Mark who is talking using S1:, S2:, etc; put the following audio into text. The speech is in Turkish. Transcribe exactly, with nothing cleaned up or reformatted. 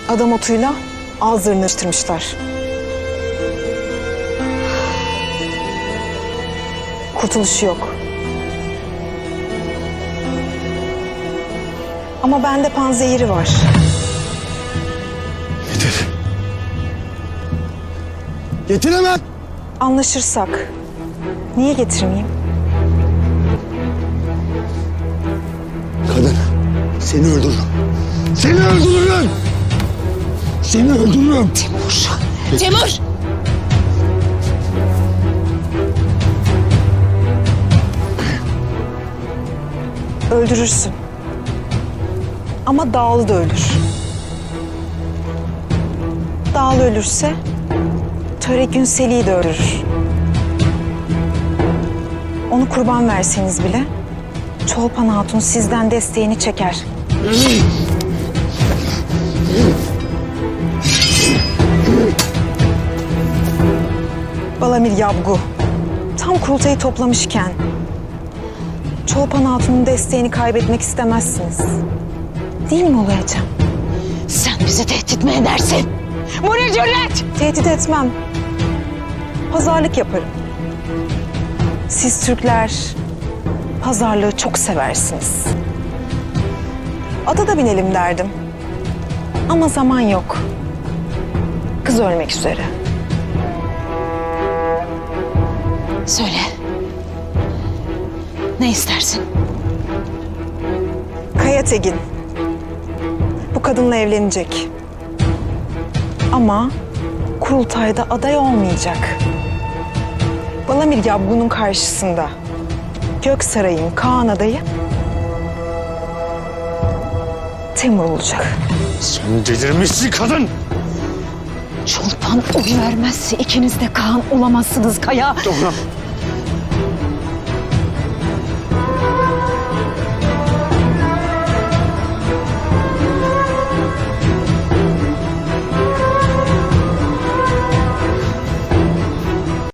S1: Adam otuyla ağızlarını açtırmışlar. Kurtuluşu yok. Ama bende panzehiri var.
S2: Getir. Getir hemen.
S1: Anlaşırsak niye getirmeyeyim?
S2: Kadın, seni öldürürüm. Seni öldürürüm. Seni öldürürüm.
S3: Timur! Timur!
S1: Öldürürsün. Ama Dağlı da ölür. Dağlı ölürse Töre Günseli'yi de öldürür. Onu kurban verseniz bile Çolpan Hatun sizden desteğini çeker. Balamir Yabgu tam kurultayı toplamışken Çolpan Hatun'un desteğini kaybetmek istemezsiniz. Değil mi Ulayacığım?
S3: Sen bizi tehdit mi edersin? Bu ne cüret?
S1: Tehdit etmem. Pazarlık yaparım. Siz Türkler pazarlığı çok seversiniz. Ata da binelim derdim. Ama zaman yok. Kız ölmek üzere.
S3: Söyle. Ne istersin?
S1: Kaya Tegin. Bu kadınla evlenecek. Ama kurultayda aday olmayacak. Balamir Yabgu'nun karşısında Göksaray'ın Kaan adayı Temur olacak.
S2: Sen delirmişsin kadın.
S3: Çolpan oy vermezse ikiniz de Kaan olamazsınız Kaya.
S2: Doğru.